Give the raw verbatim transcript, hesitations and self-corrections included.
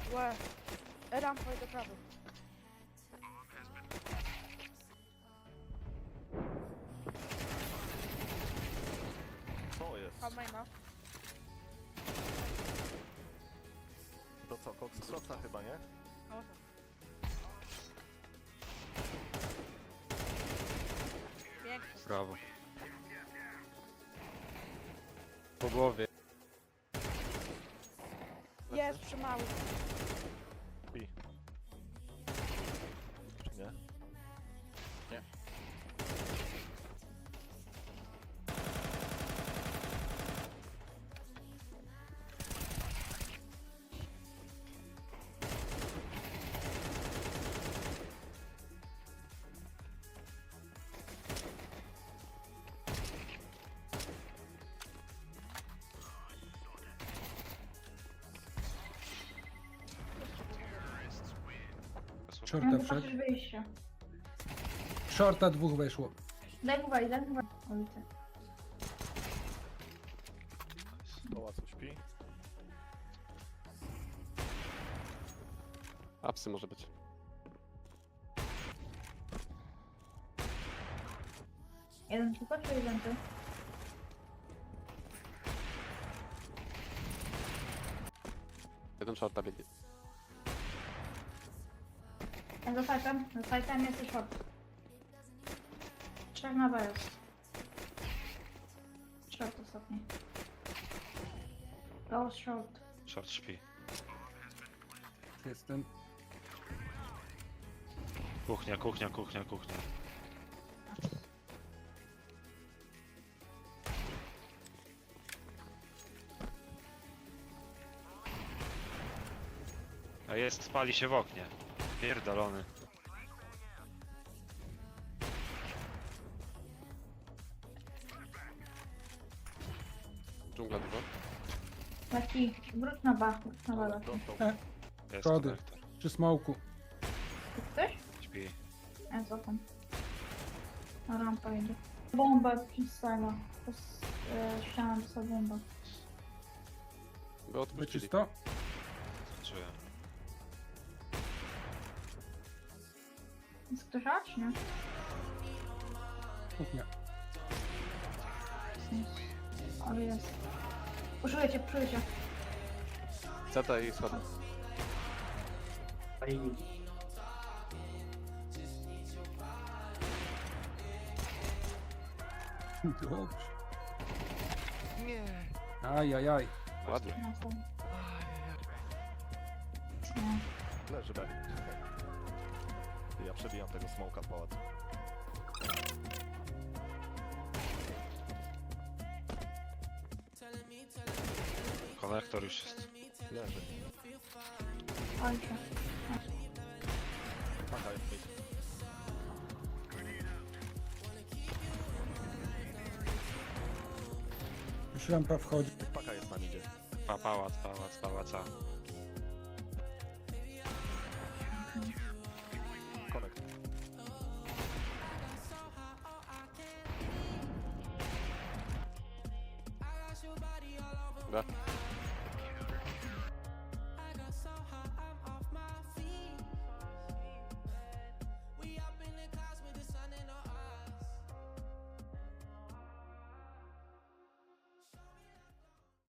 Łe. Rampa i do prawej. Co jest? Pan maina. To co, koks klocka chyba, nie? O. Pięknie. Brawo. Po głowie. Jest przy mały. I. Czy nie? Nie. Shorta No, wszedł. patrzysz wyjście. Shorta dwóch weszło. Daj mu wejść, daj mu wejść. O, widzę. Pałacu śpi. Apsy może być. Jeden tylko, czy jeden ty? Jeden shorta biegnie. Ja za sajtem, za sajtem jest short. Trzech na B jest. Short ostatni. Go short. Short śpi. Jestem. Kuchnia, kuchnia, kuchnia, kuchnia. A jest, spali się w oknie. Pierdolony. Dżungla dużo. Taki, wróć na B, wróć na B. Taki. Dostał. Jest Schody. konektor. Przy smoku. Ktoś? Śpi. Ja cofam. Na rampa idzie. Bomba przez tego. Przez e, ścianę dostał bomba. Go odpuścili. Wyczysto. Czuję. Jest ktoś A, czy nie? Kuchnia. Jest. Ale jest. Poszuję cię, poszuję cię. Zeta i schody. Dobrze. Nie. Aj, aj, aj. Ładnie. Na są. Nie. Leży B. Ja przebijam tego smoka w pałacu. Konektor już jest. Leży. Kończę. Paka jest mid. Już rampa wchodzi. Paka jest na midzie. Pa, pałac, pałac, pałaca. Konekt. B.